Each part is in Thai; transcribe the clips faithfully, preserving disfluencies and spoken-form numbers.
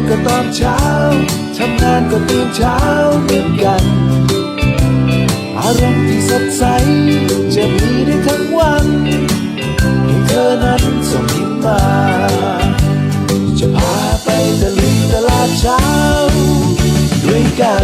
ก็ตอนเช้าทำงานก็ตื่นเช้าเหมือนกันอารมณ์ที่สดใสจะมีได้ทั้งวันให้เธอนั้นส่งยิ้มมาจะพาไปตะลุยตลาดเช้าด้วยกัน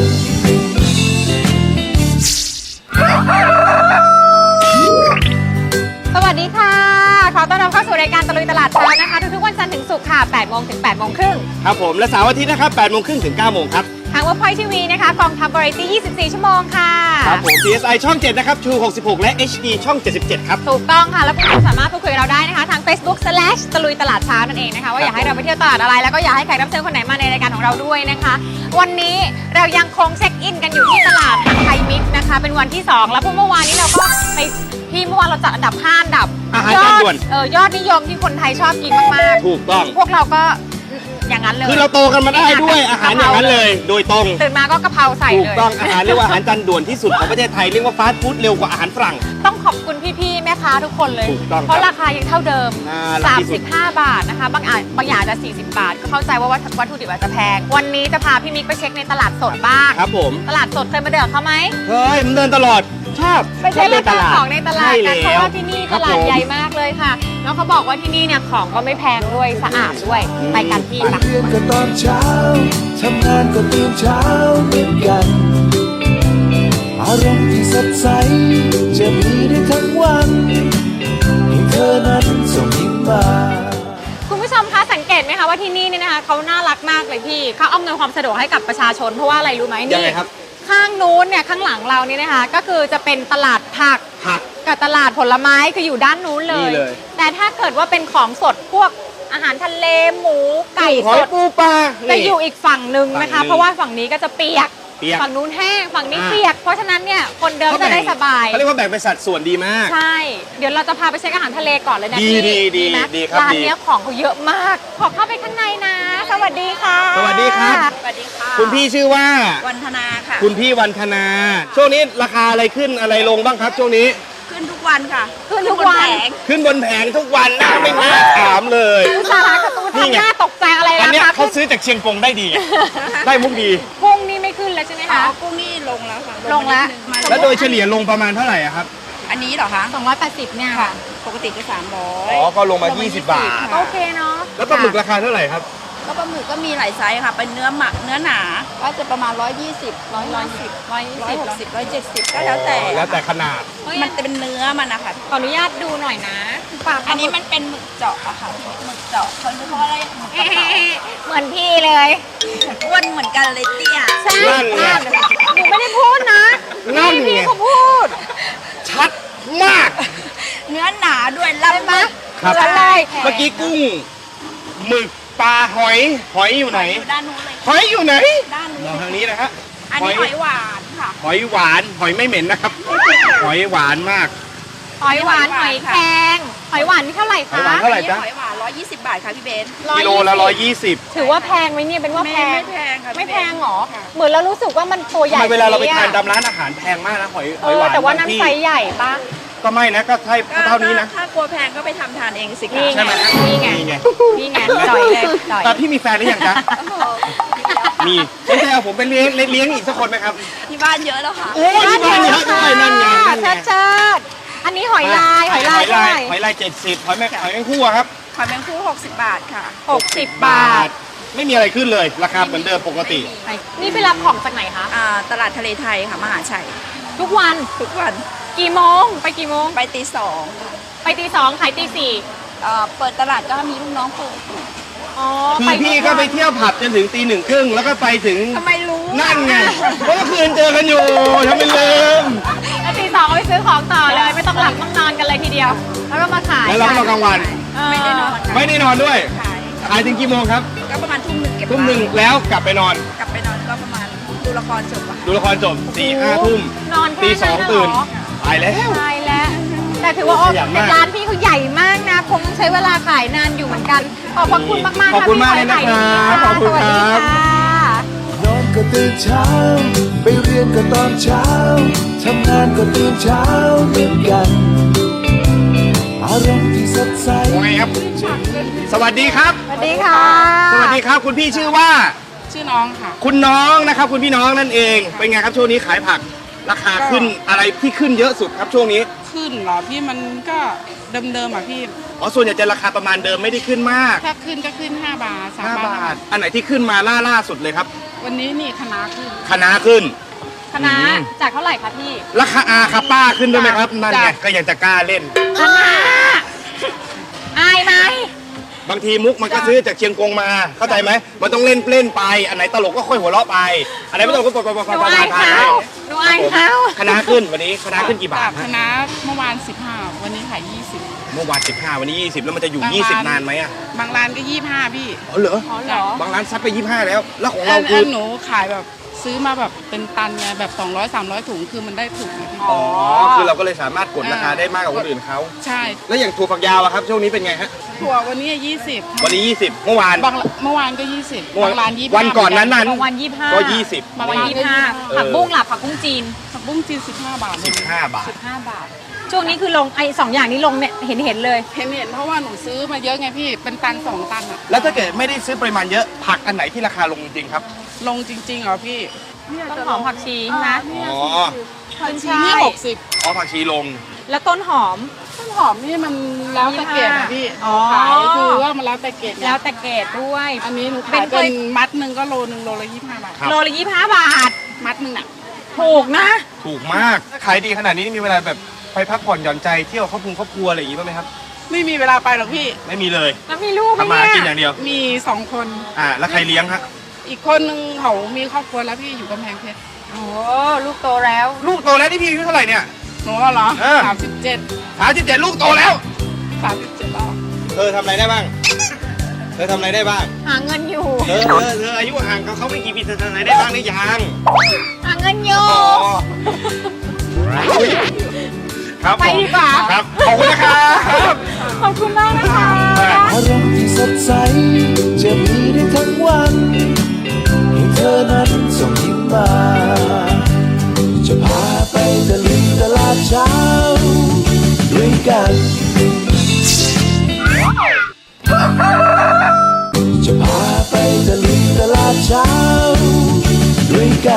สวัสดีค่ะขอต้อนรับเข้าสู่รายการตะลุยตลาดเช้านะคะทุกๆวันจันทร์ถึงศุกร์ค่ะแปดโมงถึงแปดโมงครึ่งครับผมและเสาร์อาทิตย์นะครับแปดโมงครึ่งถึงเก้าโมงครับทางเว็บไซต์ทีวีนะคะกองทัพวาไรตี้ยี่สิบสี่ชั่วโมงค่ะครับผม พี เอส ไอ ช่องเจ็ดนะครับ True หกสิบหกและ เอช ดี ช่องเจ็ดสิบเจ็ดครับถูกต้องค่ะแล้วคุณสามารถพูดคุยกับเราได้นะคะทาง Facebook slash ตะลุยตลาดเช้านั่นเองนะคะว่าอยากให้เราไปเที่ยวตลาดอะไรแล้วก็อยากให้แขกรับเชิญคนไหนมาในรายการของเราด้วยนะคะวันนี้เรายังคงเช็คอินกันอยู่ที่ตลาดไทยมิกซ์นะคะเป็นวันที่สองแล้วเมื่อวานนี้เราก็ไปที่เมื่อวานเราจัดอันดับห้าอันดับอาหารจานด่วนเออยอดนิยมที่คนไทยชอบกินมากๆถูกต้องพวกเราก็อย่างนั้นเลยคือเราโตกันมาได้ด้วยอาหารอย่างนั้นเลยโดยตรงตื่นมาก็กะเพราใส่เลยถูกต้องอาหารเรียกว่าอาหารจานด่วนที่สุดของประเทศไทยเรียกว่าฟาสต์ฟู้ดเร็วกว่าอาหารฝรั่งต้องขอบคุณพี่ๆแม่ค้าทุกคนเลยถูกต้องเพราะราคายังเท่าเดิมสามสิบห้าบาทนะคะบางอย่างบางอย่างจะสี่สิบบาทก็เข้าใจว่าวัตถุดิบอาจจะแพงวันนี้จะพาพี่มิกไปเช็คในตลาดสดบ้างครับผมตลาดสดเคยมาเดินเขาไหมเคยผมเดินตลอดชอบไปเช็คราคาของในตลาดกันเพราะว่าที่นี่ตลาดใหญ่มากเลยค่ะแล้วเขาบอกว่าที่นี่เนี่ยของก็ไม่แพงด้วยสะอาดด้วยไปกันที่ไปเรียนก็ตอนเช้าทำงานก็ตื่นเช้าเหมือนกันอารมณ์ที่สดใสจะมีได้ทั้งวันให้เธอนั้นส่งยิ้มมาคุณผู้ชมคะสังเกตไหมคะว่าที่นี่เนี่ยนะคะเขาน่ารักมากเลยพี่เขาอำนวยความสะดวกให้กับประชาชนเพราะว่าอะไรรู้ไหมนี่ข้างนู้นเนี่ยข้างหลังเรานี่นะคะก็คือจะเป็นตลาดผักกับตลาดผลไม้คืออยู่ด้านนู้นเลยแต่ถ้าเกิดว่าเป็นของสดพวกอาหารทะเลหมูไก่สดปูปลาจะอยู่อีกฝั่งหนึ่งนะคะเพราะว่าฝั่งนี้ก็จะเปียกฝั่งนู้นแห้งฝั่งนี้เปียกเพราะฉะนั้นเนี่ยคนเดินจะได้สบายเขาเรียกว่าแบ่งเป็นสัดส่วนดีมากใช่เดี๋ยวเราจะพาไปเช็คอาหารทะเลก่อนเลยนะพี่ดีดีดีครับร้านนี้ของเขาเยอะมากขอเข้าไปข้างในนะสวัสดีค่ะสวัสดีครับสวัสดีค่ะคุณพี่ชื่อว่าวันธนาค่ะคุณพี่วันธนาช่วงนี้ราคาอะไรขึ้นอะไรลงบ้างครับช่วงนี้ขึ้นทุกวันค่ะขึ้นทุกวันขึ้นบนแผงทุกวันนะไม่น่าถามเลยสาระกระตุ้นทำหน้าตกใจอะไรอันนี้เขาซื้อจากเชียงกงได้ดีได้มุกดีกุ้งนี่ไม่ขึ้นแล้วใช่ไหมคะกุ้งนี่ลงแล้วค่ะลงแล้วแล้วโดยเฉลี่ยลงประมาณเท่าไหร่ครับอันนี้เหรอคะสองร้อยแปดสิบเนี่ยค่ะปกติก็สามร้อยอ๋อก็ลงมายี่สิบบาทโอเคเนาะแล้วปลาหมึกราคาเท่าไหร่ครับก็ปลาหมึกก็มีหลายไซส์ค่ะเป็นเนื้อหมักเนื้อหนาก็จะประมาณร้อยยี่สิบร้อยร้อยสิบร้อยร้อยหกสิบร้อยเจ็ดสิบก็แล้วแต่แล้วแต่ขนาดมันจะเป็นเนื้อมันนะคะขออนุญาตดูหน่อยนะอันนี้มันเป็นหมึกเจาะอะค่ะหมึกเจาะเขาเรียกว่าอะไรหมึกกระเป๋าเหมือนพี่เลยอ้วนเหมือนกันเลยเตี้ยใช่หนูไม่ได้พูดนะนั่นพี่เขาพูดชัดมากเนื้อหนาด้วยล่ำมากครับเมื่อกี้กุ้งหมึกปลาหอยหอยอยู่ไหนด้านนู้นเลยหอยอยู่ไหนด้านนู้นมองทางนี้นะฮะอันนี้หอยหวานค่ะหอยหวานหอยไม่เหม็นนะครับหอยหวานมากหอยหวานหอยแครงหอยหวานนี่เท่าไหร่คะหอยหวานเท่าไหร่จ๊ะหอยหวานร้อยยี่สิบบาทค่ะพี่เบนกิโลละร้อยยี่สิบถือว่าแพงไหมเนี่ยเป็นว่าแพงไม่แพงค่ะไม่แพงหรอเหมือนเรารู้สึกว่ามันตัวใหญ่เวลาเราไปทานตามร้านอาหารแพงมากนะหอยหอยหวานแต่ว่าน้ำไซส์ใหญ่ปะก็ไม่นะก็ใช่เท่านี้นะถ้ากลัวแพงก็ไปทำทานเองสิคะใช่ไหมนี่ไงนี่ไงนี่ไงจ่อยเลยจ่อยแต่พี่มีแฟนหรือยังจ๊ะมีสนใจเอาผมไปเลี้ยงเลี้ยงอีกสักคนไหมครับที่บ้านเยอะแล้วค่ะโอ้ที่บ้านเยอะด้วยนั่นไงชัดชัดอันนี้หอยลายหอยลายหอยลายหอยลายเจ็ดสิบหอยแมงหอยแมงคู่ครับหอยแมงคู่หกสิบบาทค่ะหกสิบบาทไม่มีอะไรขึ้นเลยราคาเหมือนเดิมปกตินี่ไปรับของจากไหนคะอ่าตลาดทะเลไทยค่ะมหาชัยทุกวันทุกวันกี่โมงไปกี่โมงไปตีสองไปตีสองขายตีสี่เปิดตลาดก็มีลูกน้องเปิดคือพี่ก็ไปเที่ยวผับจนถึงตีหนึ่งครึ่งแล้วก็ไปถึงทำไมรู้นั่นไงเพราะเมื่อคืนเจอกันอยู่ทำไมลืมแล้วตีสองไปซื้อของต่อเลยไม่ต้องหลับต้องนอนกันเลยทีเดียวแล้วก็มาขายแล้วเราก็มากลางวันไม่ได้นอนไม่ได้นอนด้วยขายถึงกี่โมงครับก็ประมาณทุ่มหนึ่งเก็บทุ่มหนึ่งแล้วกลับไปนอนกลับไปนอนก็ประมาณดูละครจบดูละครจบสี่ห้าทุ่มนอนตีสองตื่นตายแล้วตายแล้วแต่ถือว่าแต่ร้านพี่เขาใหญ่มากนะคงใช้เวลาขายนานอยู่เหมือนกันขอบคุณมากมากขอบคุณมากเลยนะครับขอบคุณครับนอนก็ตื่นเช้าไปเรียนก็ตอนเช้าทำงานก็ตื่นเช้าเหมือนกันออารมณ์ที่สดใสโอเคครับ สวัสดีครับสวัสดีค่ะสวัสดีครับ คุณพี่ชื่อว่าชื่อน้องค่ะคุณน้องนะครับ คุณพี่น้องนั่นเอง เป็นไงครับช่วงนี้ขายผัก ราคาขึ้นอะไรที่ขึ้นเยอะสุดครับช่วงนี้ขึ้นเหรอพี่มันก็เดิมๆอ่ะพี่อ๋อ ส่วนใหญ่จะราคาประมาณเดิมไม่ได้ขึ้นมากถ้าขึ้นก็ขึ้นห้าบาทสามห้าบาบาททอันไหนที่ขึ้นมาล่าล่าสุดเลยครับวันนี้นี่คณะขึ้นคะน้าขึ้นคณะอืมจากเท่าไหร่คะพี่ราคาอาคาป้าขึ้นด้วยไหมครับ นั่นไงจ้ะก็ยังจะกล้าเล่นคณะอายไหมบางทีมุกมันก็ซื้อจากเชียงกงมา เข้าใจไหม มันต้องเล่นเล่นไป อันไหนตลกก็ค่อยหัวเราะไป อันไหนไม่ตลกก็ปล่อยปล่อยปล่อยหนูปล่อยอายผ่านเขาไปหนูอายเขาคณะขึ้นวันนี้คณะขึ้นกี่บาจาทกฮะคณะเมื่อวานสิบห้าวันนี้ขายยี่สิบเมื่อวานสิบห้าวันนี้ยี่สิบแล้วมันจะอยู่บางยี่สิบร้านนานไหมอ่ะบางร้านก็ยี่ห้าพี่อ๋อเหรออ๋อเหรอบางร้านซัดไปยี่ห้าแล้ว แล้วของอัเรานคือัอนหนูขายแบบซื้อมาแบบเป็นตันไงแบบสองร้อยสามร้อยถุงคือมันได้ถุงนะพี่อ๋อ คือเราก็เลยสามารถกดราคาได้มากกว่าคนอื่นเขาใช่แล้วอย่างถั่วฝักยาวอะครับช่วงนี้เป็นไงฮะถั่ววันนี้ยี่สิบวันนี้ยี่สิบเมื่อวานบางเมื่อวานก็ยี่สิบเมื่อวานบางร้านยี่วันก่อนนั้นนั้นบางวันยี่สิบห้าก็ยี่สิบบางวันยี่สิบห้าผักบุ้งล่ะผักบุ้งจีนผักบุ้งจีนสิบห้าบาทสิบห้าบาทสิบห้าบาท ช่วงนี้คือลงไอ้สองอย่างนี้ลงเนี่ยเห็นเห็นเลยเห็นเห็นเพราะว่าหนูซื้อมาเยอะไงพี่เป็นตันสองตันอะแล้วถ้าเกิดไม่ได้ซื้อปริมาณเยอะผักอันไหนที่ราคาลงจริงๆครับลงจริงๆเหรอพี่ต้นหอมผักชีใช่ไหมอ๋อขึ้นชีช่านี่ยหกสิบอ๋อผักชีลงแล้วต้นหอมต้นหอมนี่มันแล้วแต่เกรดอะพี่อ๋อขายคือว่ามันแล้วแต่เกรดไงแล้วแต่เกรดด้วยอันนี้หนูเป็ขาน ยเคเป็ยนมัดหนึ่งก็โลหนึ่งโลละยี่สิบห้าบาทครับโลละยี่สิบห้าบาทมัดหนึ่งอะถูกนะถูกมาก ขายดีขนาดนี้มีเวลาแบบไปพักผ่อนหย่อนใจเที่ยวครอบครัวครอบครัวอะไรอย่างงี้บ้างไหมครับไม่มีเวลาไปหรอกพี่ไม่มีเลยแล้วมีลูกไหมทำมาเนี่กินยอย่างเดียวมีสองคนอ่า แล้วใครเลี้ยงฮะอีกคนนึงเขามีครอบครัวแล้วพี่อยู่กำแพงเพชรโอ้ลูกโตแล้วลูกโตแล้วนี่พี่อายุเท่าไหร่เนี่ยหนูว่าเหรอเออสามสิบเจ็ดสามสิบเจ็ดลูกโตแล้วสามสิบเจ็ดแล้วเธอทำอะไรได้บ้าง เธอทำอะไรได้บ้างหาเงินอยู่เธอเธอเธออายุห่างกับเขาไม่กี่ปีเธอทำอะไรได้บ้างหรือยังหาเงินอยู่อ๋ออุ๊ยครับไปดีกว่าครับ ขอบคุณนะครับขอบคุณมากนะคะอารมณ์ที่สดใสจะมีได้ทั้งวันให้เธอนั้นส่งยิ้มมา จะพาไปตะลุยตลาดเช้าด้วยกัน จะพาไปตะลุยตลาดเช้าด้วยกัน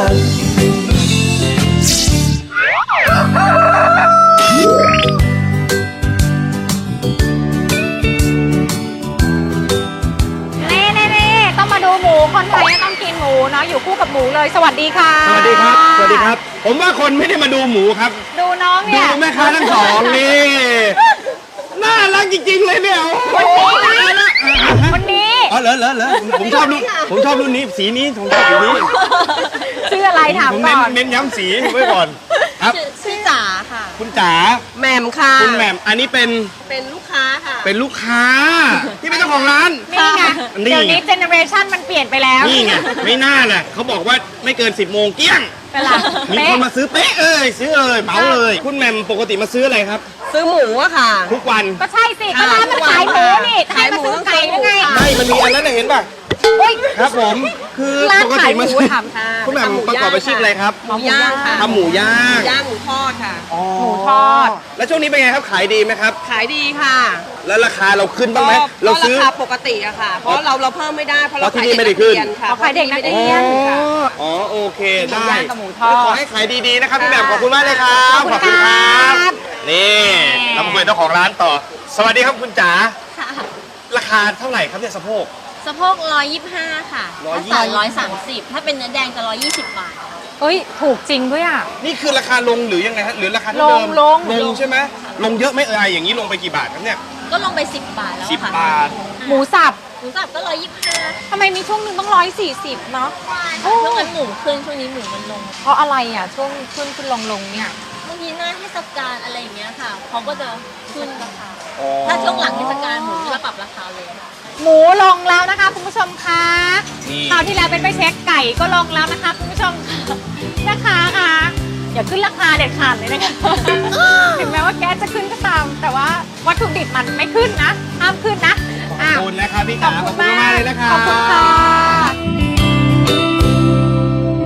เน่เน่เน่ต้องมาดูหมูคนไทยต้องกินหมูเนาะอยู่คู่กับหมูเลย สวัสดีค่ะสวัสดีครับ สวัสดีครับ ผมว่าคนไม่ได้มาดูหมูครับดูน้องดูเนี่ยแม่ค้าทั้งสองนี่ น่ารักจริงๆเลยเนี่ยวันนี้นะวันนี้อ๋อเหรอเหรอเหรอผมชอบรุ่นผมชอบรุ่นนี้สีนี้ผมชอบสีนี้ชื่ออะไรถามผมก่เน้นอนเน้นย้ำสีไว้ก่อน ครับชื่อจ๋าค่ะคุณจ๋าแหม่มค่ะคุณแหม่มอันนี้เป็นเป็นลูกค้าค่ะเป็นลูกค้า ที่เป็นเจ้าของร้านนี่ไงนี่เดี๋ยวนี้เจเนอเรชันมันเปลี่ยนไปแล้วนี่ไงไม่น่าแหละเขาบอกว่าไม่เกินสิบโมงเกลี้ยงเป็นหลักมีเป๊ะคนมาซื้อเป๊ะเอ้ยซื้อเลยเหมาเลย คุณแหม่มปกติมาซื้ออะไรครับซื้อหมูอะค่ะทุกวันก็ใช่สิก็ร้านมันขายหมูนี่ขายมาซื้อไก่หรือไงไม่มันมีอันนั้นน่ะเห็นป่ะอุ้ยครับผม คือร้านปกขาติยหมูมาซื้อทำค่ะคุณแหม่มประกอบอาชีพอะไรครับหมูย่างค่ะทำหมูย่างย่างหมูทอดค่ะอ๋อหมูทอดแล้วช่วงนี้เป็นไงครับขายดีไหมครับขายดีค่ะแล้วราคาเราขึ้นบ้างไหมก็เราซื้อก็ราคาปกติอะค่ะ เพราะเราเราเพิ่มไม่ได้เพราะเราเพราะที่ขายนี่เด็กไม่ได้นักขึ้นเรียนค่ะอ๋อขายเด็กนักเรียนค่ะอ๋อโอเคได้หมูย่างกับหมูทอดขอให้ขายดีๆนะครับพี่แหม่มขอบคุณมากเลยครับขอบคุณครับนี่เรามาคุยกับเจ้าของร้านต่อ สวัสดีครับคุณจ๋าราคาเท่าไหร่ครับเนี่ยสะโพกสะโพกร้อยยี่สิบห้าค่ะร้อยถ้ายี่สิบสามร้อยสามสิบถ้าเป็นเนื้อแดงจะร้อยยี่สิบบาทเอ้ยถูกจริงด้วยอ่ะนี่คือราคาลงหรือยังไงฮะหรือราคาเท่าเดิมลงลงลงใช่ไหมลงเยอะไหมเอ่ยอย่างนี้ลงไปกี่บาทครับเนี่ยก็ลงไปสิบบาทแล้วสิบค่ะบาทหมูสับหมูสับก็ร้อยยี่สิบห้าทำไมมีช่วงหนึ่งต้องร้อยสี่สิบเนาะ โอ้ช่วงนั้นหมูขึ้นช่วงนี้หมูมันลงเพราะอะไรอ่ะช่วงขึ้นขึ้นลงลงเนี่ยบางทีหน้าเทศกาลอะไรอย่างเงี้ยค่ะเขาก็จะขึ้นราคาอ๋อถ้าช่วงหลังเทศกาลหมูจะปรับราคาเลยหมูลงแล้วนะคะคุณผู้ชมคะนี่คราวที่แล้วเป็นไปเช็คไก่ก็ลงแล้วนะคะคุณผู้ชมนะคะค่ะอย่าขึ้นราคาเด็ดขาดเลยนะคะ ถึงแม้ว่าแก๊สจะขึ้นก็ตาม แต่ว่าวัตถุดิบมันไม่ขึ้นนะห้ามขึ้นนะขอบคุณนะครับพี่จ๋าขอบคุณมากเลยนะครับขอบคุณค่ะนอนก็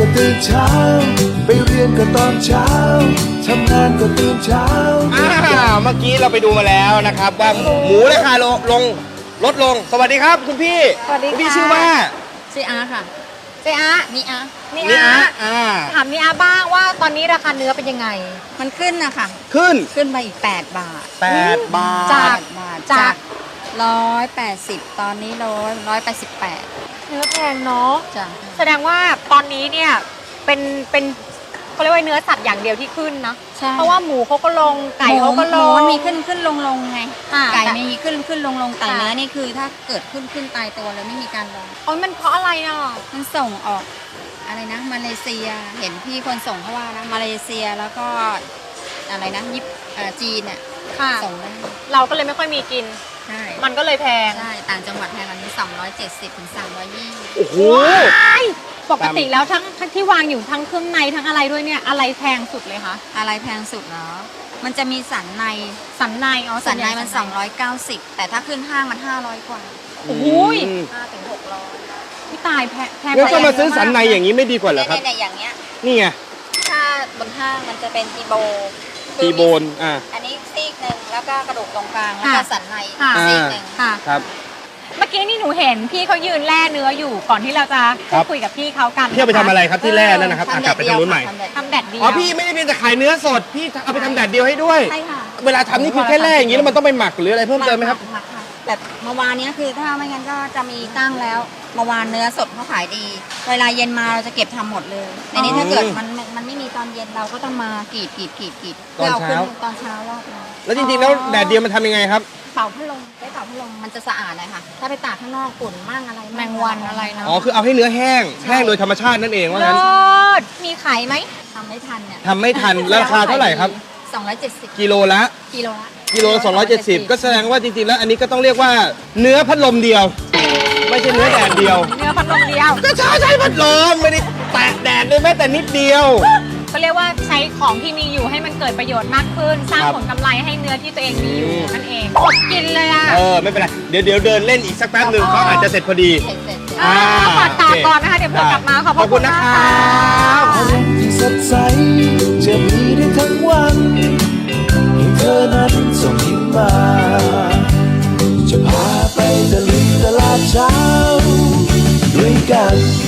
ตื่นเช้า ไปเรียนก็ตอนเช้า ทำงานก็ตื่นเช้าอ่าเมื่อกี้เราไปดูมาแล้วนะครับ ว่าหมูราคาลงลงลดลง สวัสดีครับคุณพี่สวัสดีคุณพี่ค่ะชื่อว่าซีอาค่ะเจ๊อะนี่อานี่นี่อะอะอ่าถามนี่อะบ้างว่าตอนนี้ราคาเนื้อเป็นยังไงมันขึ้นนะคะขึ้นขึ้นไปอีก แปด บาทแปดบาทจากบาทจาจาก กร้อยแปดสิบตอนนี้ร้อยร้อยแปดสิบแปดเนื้อแพงเนาะจ้ะแสดงว่าตอนนี้เนี่ยเป็นเป็นเขาเรียกว่าเนื้อสัตว์อย่างเดียวที่ขึ้นนะใช่เพราะว่าหมูเขาก็ลงไก่เขาก็ลหมูงมันมีขึ้นขึ้นลงลงไงค่ะไก่มีขึ้นขึ้นลงลงแต่ค่ะเนื้อนี่คือถ้าเกิดขึ้นขึ้นตายตัวเลยไม่มีการลงโอ้ยมันเพราะอะไรอ่ะมันส่งออกอะไรนะมาเลเซียเห็นพี่คนส่งเขาว่านะมาเลเซียแล้วก็อะไรนะญี่ปุ่นเอ่อจีนเนี่ยค่ะส่งได้เราก็เลยไม่ค่อยมีกินใช่มันก็เลยแพงใช่ต่างจังหวัดแพงกว่านี้สองร้อยเจ็ดสิบถึงสามร้อยยี่สิบโอ้โหปกติแล้วทั้งทั้งที่วางอยู่ทั้งเครื่องในทั้งอะไรด้วยเนี่ยอะไรแพงสุดเลยคะอะไรแพงสุดเหรอมันจะมีสันในสันในอ๋อสันในใหญ่มันสองร้อยเก้าสิบแต่ถ้าขึ้นห้างมันห้าร้อยกว่าโอ้ยอืมห้าถึงหกร้อยพี่ตายแพงแพงงั้นก็ไปมาซื้อสันในอย่างนี้ไม่ดีกว่าเหรอครับในอย่างเงี้ยนี่ไงถ้าบนห้างมันจะเป็นตีโบตีโบนอ่าอันนี้ซีกหนึ่งแล้วก็กระดูกตรงกลางแล้วก็สันในค่ะซีกหนึ่งค่ะครับเมื่อกี้นี่หนูเห็นพี่เขายืนแล่เนื้ออยู่ก่อนที่เราจะครัพูบดคุยกับพี่เขากันพี่เอาไปทำอะไรครับที่แร่นั่นนะครับทำอ่ะแดกลับดไปเดีทายวงนู้นใหม่ค่ะทำแดดทำแดดเดียวอ๋อพี่ไม่ได้เพียงแต่ขายเนื้อสดพี่เอาไปทำแดดเดียวให้ด้วยใช่ค่ะเวลาทำนี่คือแค่แร่อย่างนี้แล้วมันต้องไปหมักหรืออะไรเพิ่มเติมไหมครับหกค่ะแบบเมื่อวานเนี้ยคือถ้าไม่งั้นก็จะมีตั้งแล้วเมื่อวานเนื้อสดเขาขายดี เวลาเย็นมาเราจะเก็บทำหมดเลยในนี้ถ้าเกิดมันมันมันไม่มีตอนเย็นเราก็ต้องมากรีดกรีดกรีดกรีดตอนเช้าพื่ขึ้ตอนเช้ารอบนึงแล้วจริงๆแล้วแดดเดียวมันทำยังไงครับเป่าพัดลมใช้เป่าพัดลมมันจะสะอาดเลยค่ะ ถ้าไปตากข้างนอกฝุ่นมั่งอะไรแมงวันอะไรเนาะอ๋อคือเอาให้เนื้อแห้งแห้งโดยธรรมชาตินั่นเองว่าเลิงั้นศมีขายไหมทำไม่ทันเนี่ยทำไม่ทันแล้วราคาเท่าไหร่ครับสองร้อยเจ็ดสิบกิโลละกิโลละกิโลละสองร้อยเจ็ดสิบก็แสดงว่าจริงๆแล้วอันนี้ก็ต้องเรียกว่าเนื้อพัดลมเดียว ไม่ใช่เนื้อแดดเดียวเนื้อพัดลมเดียวก็ใช้ใช้พัดลมไม่ได้แตะแดดเลยแม้แต่นิดเดียวก็เรียกว่าใช้ของที่มีอยู่ให้มันเกิดประโยชน์มากขึ้น สร้างครับผลกำไรให้เนื้อที่ตัวเองมีอยู่อืมนั่นเองอดกินเลยอ่ะเออไม่เป็นไรเดี๋ยวเดี๋ยวเดินเล่นอีกสักแป๊บหนึ่งเขาอาจจะเสร็จพอดีเสร็จเสร็จเสร็จอ่าอ่าฝากตาโอเคก่อนนะคะ เดี๋ยวเพื่อกลับมาขอบพขอบคุระคุณ ณนะมากครัค่ะบอารมณ์ที่สดใส จะมีได้ทั้งวันให้เธอนั้นส่งยิ้มมา จะพาไปตะลุยตลาดเช้า ด้วยกัน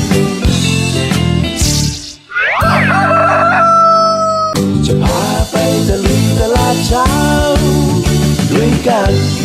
จะพาไปตะลุยตลาดเช้า ด้วยกัน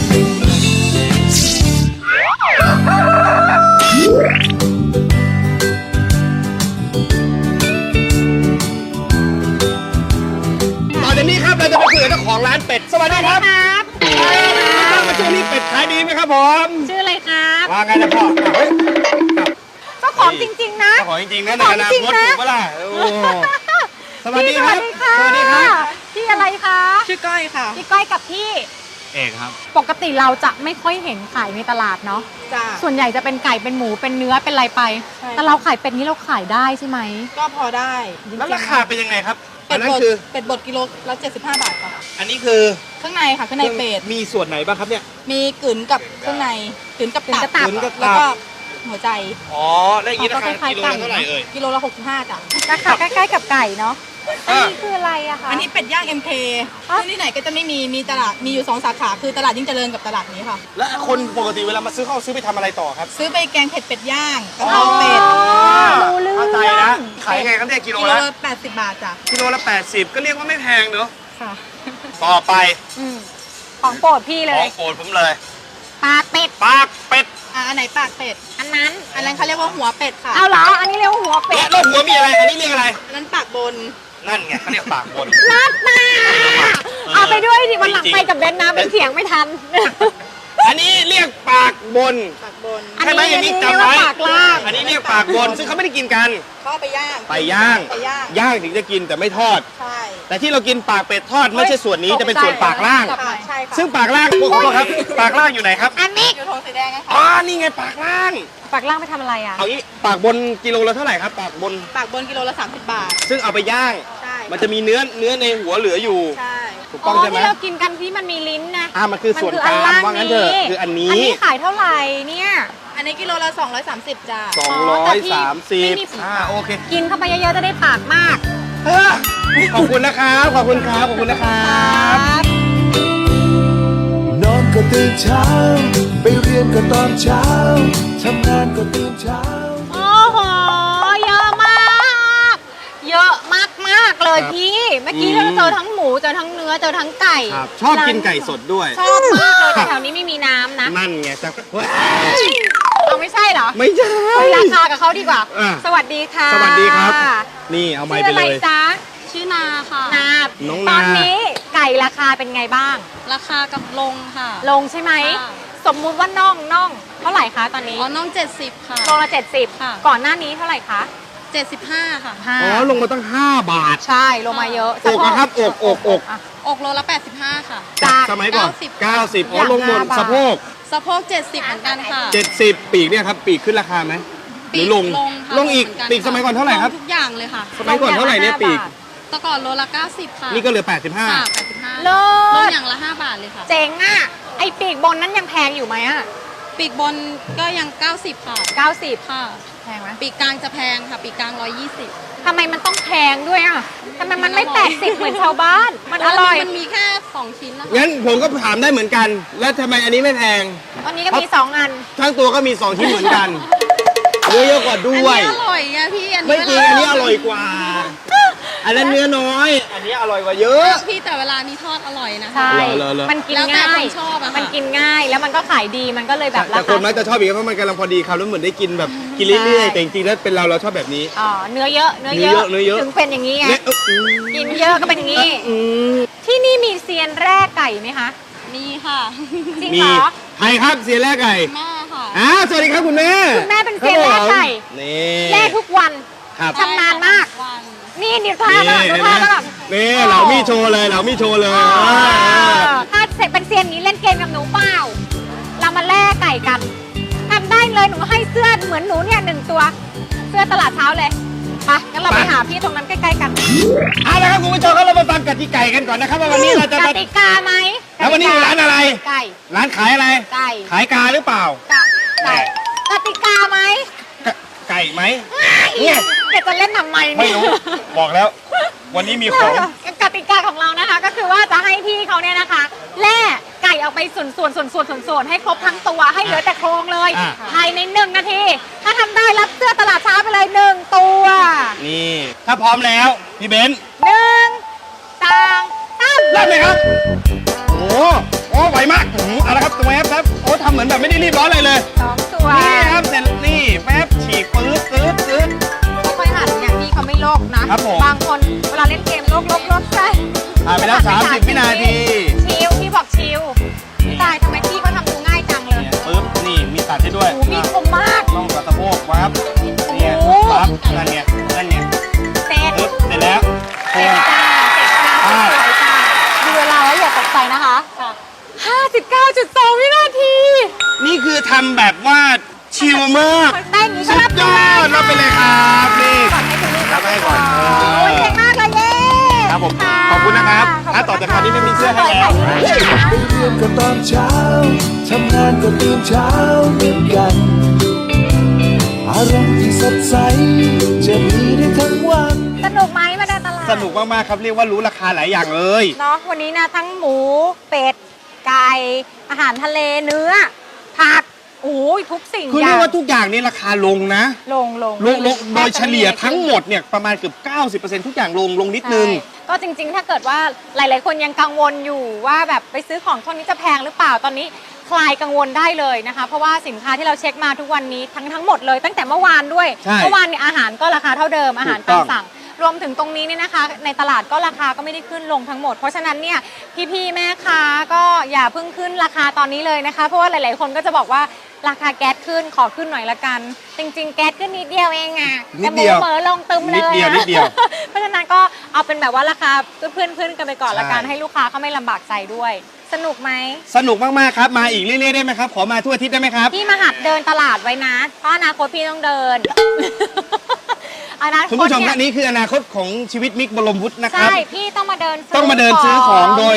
ต่อจากนี้ครับเราจะไปคุยกับเจ้าของร้านเป็ดสวัสดีครับครับมาช่วงนี้เป็ดขายดีไหมครับผมชื่ออะไรครับว่าไงนะพ่ออ่ะเฮ้ยเจ้าของจริง ๆ นะเจ้าของจริงๆนะในอนาของจริงคตนะถูกปะล่ะโอ้สวัสดีพี่ครับสวัสดีค่ะครับพี่อะไรคะชื่อก้อยค่ะพี่ก้อยกับพี่เอกครับปกติเราจะไม่ค่อยเห็นขายในตลาดเนาะจ้าส่วนใหญ่จะเป็นไก่เป็นหมูเป็นเนื้อเป็นอะไรไปใช่แต่เราขายเป็ดนี้เราขายได้ใช่ไหมก็พอได้จงๆแล้วราคาเป็นยังไงครับเป็อัดนนั้นบดคือเป็ดบดกิโลละเจ็ดสิบห้าบาทค่ะอันนี้คือข้างในค่ะข้างในเป็ดมีส่วนไหนบ้างครับเนี่ยมีกึ๋นกับเครื่องในกึ๋นกับกึ๋นกับตัตับกึ๋นกับตับแล้วก็หัวใจอ๋อแล้วอย่างนี้ราคาเขาก็คล้ายๆกิโลละเท่าไหร่เอ่ยกิโลละหกสิบห้าจ้ะราคาใกล้ๆกับไก่เนาะ อันอ่านี้คืออะไรอะคะอันนี้เป็ดย่าง เอ็ม เคอ๋อซึ่งที่ไหนก็จะไม่มีมีตลาดมีอยู่สองสาขาคือตลาดยิ่งเจริญกับตลาดนี้ค่ะแล้วคนปกติเวลามาซื้อเขาเอาซื้อไปทำอะไรต่อครับซื้อไปแกงเผ็ดเป็ดย่างกะเพราเป็ดรู้เรื่องเข้าใจนะขายยังไงครับเนี่ยกิโลกิโลละละแปดสิบบาทจ้ะกิโลละแปดสิบก็เรียกว่าไม่แพงเนอะค่ะต่อไปอืมของโปรดพี่เลขอย งโปรดผมเลยปลาเป็ดปากเป็ดอ่ะอันไหนปากเป็ดอันนั้นอันนั้นเขาเรียกว่าหัวเป็ดค่ะเอาเหรอ อันนี้เรียกว่าหัวเป็และดแล้วหัวมีอะไร อันนี้เรียกอะไรอันนั้นปากบนนั่นไงเขาเรียกปากบนนัดมาเอาไปด้วยดิวันหลังจริงๆไปกับเบนซ์นะเป็นเสียงไม่ทันอันนี้เรียกปากบนปากบนอันใช่ไหมนี้อันนี้เรียจำกว่าไว้ปากล่างอันนี้เรียกปากบน ซึ่งเขาไม่ได้กินกันเขาเอาไปย่างไปย่างไปย่างย่างถึงจะกินแต่ไม่ทอดใช่แต่ที่เรากินปากเป็ดทอดไม่ใช่ส่วนนี้จะเป็นส่วนปากล่างค่ะใช่ค่ะซึ่งปากล่างพวกเขาครับ ปากล่างอยู่ไหนครับอันนี้อยู่โทงสีแดงนะคะอ๋อ นี่ไงปากล่างปากล่างไปทำอะไรอ่ะเอางี้ปากบนกิโลละเท่าไหร่ครับ ปากบนปากบนกิโลละสามสิบบาทซึ่งเอาไปย่างใช่มันจะมีเนื้อเนื้อในหัวเหลืออยู่ใช่ถูกอ๋ต้อองใช่ไหมที่เรากินกันที่มันมีลิ้นนะอ่ามันคือส่วนมักลางอัว่างั้นเถอะคืออันนี้อันนี้ขายเท่าไหร่เนี่ยอันนนี้กิโลละสองร้อยสามสิบจ้าสองร้อยสามสิบไม่มีอ่าโอเคกินเข้าไปเยอะๆจะได้ปากมากเฮ้อขอบคุณนะครับขอบคุณครับขอบคุณนะครับนอนก็ตื่นเช้า ไปเรียนก็ตอนเช้า ทำงานก็ตื่นเช้าโอ้โห เยอะมาก เยอะมากมากๆเลยพี่ เมื่อกี้เราเจอทั้งหมูเจอทั้งเนื้อเจอทั้งไก่ครับชอบกินไก่สดด้วยชอบมากเลยแต่แถวนี้ไม่มีน้ำนะนั่นไงจะเอาไม่ใช่เหรอไม่ใช่คุยราคากับเขาดีกว่าอ่ะสวัสดีค่ะสวัสดีครับ นี่เอาไม้ชื่อไปอะไรเลยจ๊ะชื่อนาค่ะนาน้องตนาอนนี้ไก่ราคาเป็นไงบ้างราคากับลงค่ะลงใช่ไหมค่ะสมมุติว่าน่องน่องเท่าไหร่คะตอนนี้อ๋อน้องเจ็ดสิบค่ะโลละเจ็ดสิบค่ะก่อนหน้านี้เท่าไหร่คะเจ็ดสิบห้าค่ะห้าอ๋อลงมาตั้งห้าบาทใช่ลงมาเยอะอกนะครับอกอกอกะอกโลละแปดสิบห้าค่ะจากสมัยก่อนเก้าสิบเก้าสิบอ๋ออย่างลงหมดห้าบาทสะโพกสะโพกเจ็ดสิบเหมือนกันค่ะเจ็ดสิบปีกเนี่ยครับปีกขึ้นราคาไหมหรือลงลงค่ะลงอีกเหนนปีกสมัยก่อนเท่าไหร่ครับลงทุกอย่างเลยค่ะสมัยก่อนเท่าไหร่เนี่ยปีกแต่ก่อนโลละเก้าสิบค่ะนี่ก็เหลือแปดสิบห้าค่ะแปดสิบห้าเลิลงศอย่างละห้าบาทเลยค่ะเจ๋งอ่ะ ไอปีกบนนั้นยังแพงอยู่ไหมอ่ะปีกบนก็ยังเก้าสิบค่ะเก้าสิบค่ะแพงไหมปีกกลางจะแพงค่ะ ปีกกลางร้อยยี่สิบทำไมมันต้องแพงด้วยอ่ะทำไมมันไม่แปดสิบเหมือนชาวบ้าน มันอร่อยมันมีแค่สองชิ้นนะคะงั้นผมก็ถามได้เหมือนกัน แล้วทำไมอันนี้ไม่แพงตอนนี้ก็มีสองอันทั้งตัวก็มีสองชิ้นเหมือนกันเนื้อเยอะกว่าด้วยอันนี้อร่อยอะพี่ อันไม่นี้จริงอันนี้อร่อยกว่า อันนั้นเนื้อน้อย อันนี้อร่อยกว่าเยอะพี่แต่เวลานี้ทอดอร่อยนะคะใช่เหรอเหรอมันกินแล้วแต่ง่ายคนชอบอะค่ะมันกินง่าย แล้วมันก็ขายดี มันก็เลยแบบราแต่คคานมักจะชอบอีกเพราะมันกำลังพอดีครับแล้วเหมือนได้กินแบบกินเรื่อยๆแต่จริงๆแล้วเป็นเราเราชอบแบบนี้อ๋อ เนื้อเยอะ เนื้อเนื้อเยอะเนื้อเยอะถึงเป็นอย่างนี้ไงเนี่ยเอออืมกินเยอะก็เป็นอย่างนี้อืมที่นี่มีเซียนแร่ไก่ไหมคะมีค่ะจริงมีเหรอใครครับเสียแรกไก่แม่ค่ะอ่าสวัสดีครับคุณแม่คุณแม่เป็นเซียนแร่ไก่นี่แร่ทุกวันครับชำนาญมากวันนี่นิวท่าก็นี่ดูเห็นไหมท่าก็แบบนี่เหลามีโชว์เลยเหลามีโชว์เลยถ้าเสร็จเป็นเซียนนี้เล่นเกมกับหนูเปล่า เรามาแล่ไก่กันทำได้เลยหนูให้เสื้อเหมือนหนูเนี่ยหนึ่งตัว เสื้อตลาดเช้าเลยไปงั้นเราไปหาพี่ตรงนั้นใกล้ๆกันเอาละครับคุณผู้ชมครับเรามาฟังกติกากันก่อนนะครับว่าวันนี้เราจะกมาติกาไหมแล้ววันนี้อยู่ร้านอะไรไก่ร้านขายอะไรไก่ขายกาหรือเปล่าไก่กติกาไหมกไก่ไหมเนี่ยแกจะเล่นทำไมเนี่ยไม่รู้ บอกแล้ว วันนี้มีของกติกาของเรานะคะ ก็คือว่าจะให้พี่เขาเนี่ยนะคะแล่ไก่ออกไปส่วนส่วนส่วนส่วนส่วนส่วนให้ครบทั้งตัวให้เหลือแต่โครงเลยอ่ะภายในหนึ่งนาที ถ้าทำได้รับเสื้อตลาดเช้าไปเลยหนึ่งตัวนี่ ถ้าพร้อมแล้ว พี่เบนซ์หนึ่งสองสามเริ่มเลยครับ โอ้โหโอ้ไหวมากอื้อหือเอาละครับตัวแอปครับโอ้ทำเหมือนแบบไม่ได้รีบร้อนอะไรเลยสองตัวนี่ครับเสร็จนี่แป๊บฉีกปื๊ดปื๊ดปื๊ดค่อยๆหันอย่างที่เขาไม่โลกนะครับผมบางคนเวลาเล่นเกมโลกโลกโลกใช่ผ่านไปแล้วสามสิบวินาทีชิวพี่บอกชิวตายทำไมพี่เขาทำดูง่ายจังเลยเนี่ยปึ๊บนี่มีตัดให้ด้วยโอ้โหมีคมมากน่องกับสะโพกวับเนี่ยโอ้โหวับนั่นเนี่ยนั่นเนี่ยเสร็จปึ๊บเสร็จแล้วเสร็จจ้าเสร็จจ้าอ่าสวยจ้าดูเวลาแล้วอย่าตกใจนะคะห้าสิบเก้าจุดสองวินาทีนี่คือทำแบบว่าชิลมากได้อย่างนี้ก็สุรับดยอดรับไปเลยครับนี่ก่อนให้คุณลูกรับให้ก่อนเออโอ้ยเก่งมากเลยเย้ครับผมขอบคุณนะครับอ่ะต่อจากนี้ไม่มีเสื้อให้แล้วไปเรียนก็ตอนเช้า ทำงานก็ตื่นเช้าเหมือนกัน อารมณ์ที่สดใส จะมีได้ทั้งวันสนุกไหมมาเดินตลาดสนุกมากๆครับเรียกว่ารู้ราคาหลายอย่างเลยเนาะวันนี้นะทั้งหมูเป็ดไก่อาหารทะเลเนื้อผักโอ้ยทุกสิ่งคืออเรีย่าย งกว่าทุกอย่างนี่ราคาลงนะลงลงลงลงโดยเฉลี่ยทั้งหมดเนี่ยประมาณเกือบเก้าสิบเปอร์เซ็นต์ทุกอย่างลงลงนิดนึงใช่ก็จริงๆ ถ้าเกิดว่าหลายๆ คนยังกังวลอยู่ว่าแบบไปซื้อของช่วงนี้จะแพงหรือเปล่าตอนนี้คลายกังวลได้เลยนะคะ เพราะว่าสินค้าที่เราเช็คมาทุกวันนี้ทั้งทั้งหมดเลยตั้งแต่เมื่อวานด้วยใช่เมื่อวานเนี่ยอาหารก็ราคาเท่าเดิมอาหารถูกต้ตาอมงสั่ง รวมถึงตรงนี้เนี่ยนะคะ ในตลาดก็ราคาก็ไม่ได้ขึ้นลงทั้งหมด เพราะฉะนั้นเนี่ยพี่ๆแม่ค้าก็อย่าเพิ่งขึ้นราคาตอนนี้เลยนะคะ เพราะว่าหลายๆ คนก็จะบอกว่าราคาแก๊สขึ้นขอขึ้นหน่อยละกัน จริง ๆ แก๊สขึ้นนิดเดียวเองอะนิแต่ดหเดีมูยวเหมอลงตึมเลยนิดเดียวอะนิดเดียวเพราะฉะนั้นก็เอาเป็นแบบว่าราคาเพื่อนๆกันไปก่อนละกันใช่ให้ลูกค้าเขาไม่ลำบากใจด้วย สนุกไหมสนุกมากๆครับมาอีกเรื่อยๆได้ไหมครับขอมาทั่วอาทิตย์ได้ไหมครับพี่มาหัดเดินตลาดไว้นะเพราะอนาคตพี่ต้องเดิน อนาคตคุณผู้ชมเนี่ท่าย นนี้คืออนาคตของชีวิตมิกบรมวุฒินะครับใช่พี่ต้องมาเดินซื้ต้องมาเดินซื้อของโดยนี้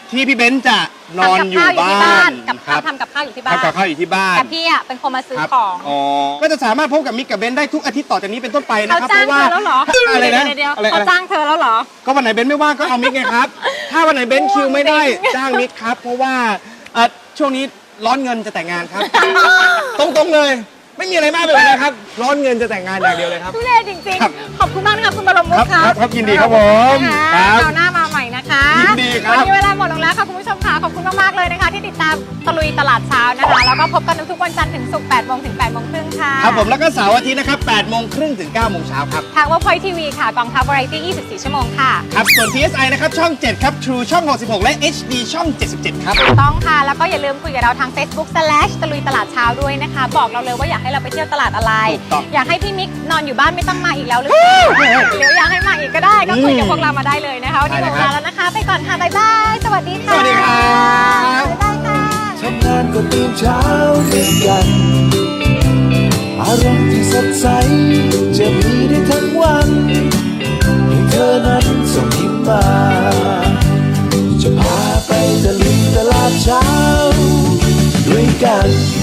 ที่พี่เบนซ์จะนอนอยู่บ้านกับครับทำกับข้าวอยู่ที่บ้านทำกับข้าวอยู่ที่บ้านแต่พี่อ่ะเป็นคนมาซื้อครับของอ๋อก็จะสามารถพบกับมิกกับเบนซ์ได้ทุกอาทิตย์ต่อจากนี้เป็นต้นไปนะเขาครับจ้างเพราะว่าเธอแล้วเหรออะไรนะเดี๋ยวๆอะไรเขาอะไรจ้างเธอแล้วเหรอก็วันไหนเบนซ์ไม่ว่างก็เอามิกไงครับ ถ้าวันไหนเบนซ์คิวไม่ได้จ้างมิกครับ เพราะว่าเอ่อช่วงนี้ร้อนเงินจะแต่งงานครับ ตรงๆเลย ไม่มีอะไรมากไปกว่านั้นครับ ร้อนเงินจะแต่งงานอย่างเดียวเลยครับทุเรศจริงครับๆ ขอบคุณมากนะคะคุณบรมมุคกรับค่ะครับครับยินดีครับผมคครัรับบ คราวหน้ามาใหม่นะคะยินดีครับวันนี้เวลาหมดลงแล้วค่ะคุณผู้ชมค่ะ ขอบคุณมากๆเลยนะคะ ที่ติดตามตะลุยตลาดเช้านะคะ แล้วก็พบกันทุกๆวันจันทร์ถึงศุกร์แปดโมงถึงแปดโมงครึ่งค่ะครับผมแล้วก็เสาร์อาทิตย์นะครับแปดโมงครึ่งถึงเก้าโมงเช้าครับทาง Workpoint ที วี ค่ะ กองทัพวาไรตี้ยี่สิบสี่ ชั่วโมงค่ะครับ ส่วน พี เอส ไอ นะครับ ช่อง เจ็ด ครับ True ช่อง หกสิบหก และ เอช ดี ช่อง เจ็ดสิบเจ็ด ครับถูกต้องค่ะ แล้วก็อย่าลืมคุยกับเราทาง Facebook slash ตะลุยตลาดเช้าด้วยนะคะ บอกเราเลยว่าอยากให้เราไปเที่ยวตลาดอะไรถูกต้องอยากให้พี่มิกนอนอยู่บ้านไม่ต้องมาอีกแล้วหรือเปล่าหรืออยากให้มาอีกก็ได้ ก็คุยกับพวกเรามาได้เลยนะคะ วันนี้หมดเวลาแล้วนะคะ ไปก่อนค่ะ บ๊ายบาย สวัสดีค่ะสวัสดีครับบ๊ายบายค่ะทำงานก็ตื่นเช้าเหมือนกัน อารมณ์ที่สดใส จะมีได้ทั้งวันให้เธอนั้นส่งยิ้มมา จะพาไปตะลุยตลาดเช้าด้วยกัน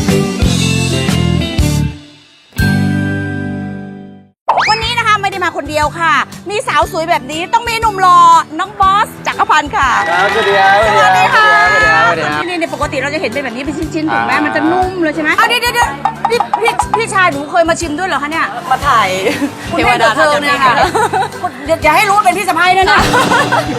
วันนี้นะคะไม่ได้มาคนเดียวค่ะ มีสาวสวยแบบนี้ต้องมีหนุ่มรอน้องบอสจักรพันธ์ค่ะครับสวัสดีครับสวัสดีค่ะสวัสดีครับสวัสดีครับนี่ในปกติเราจะเห็นเป็นแบบนี้เป็นชิ้นๆถูกไหมอ่ามัมันจะนุ่มเลยใช่ไหมเอาเดี๋ยวเดี๋ยวเดี๋ยวพี่พี่พี่ชายหนูเคยมาชิมด้วยเหรอคะเนี่ยมาถ่ายคุณแม่กับเธอเนี่ยค่ะอย่าให้รู้ว่าเป็นพี่สะพ้ายนะนะ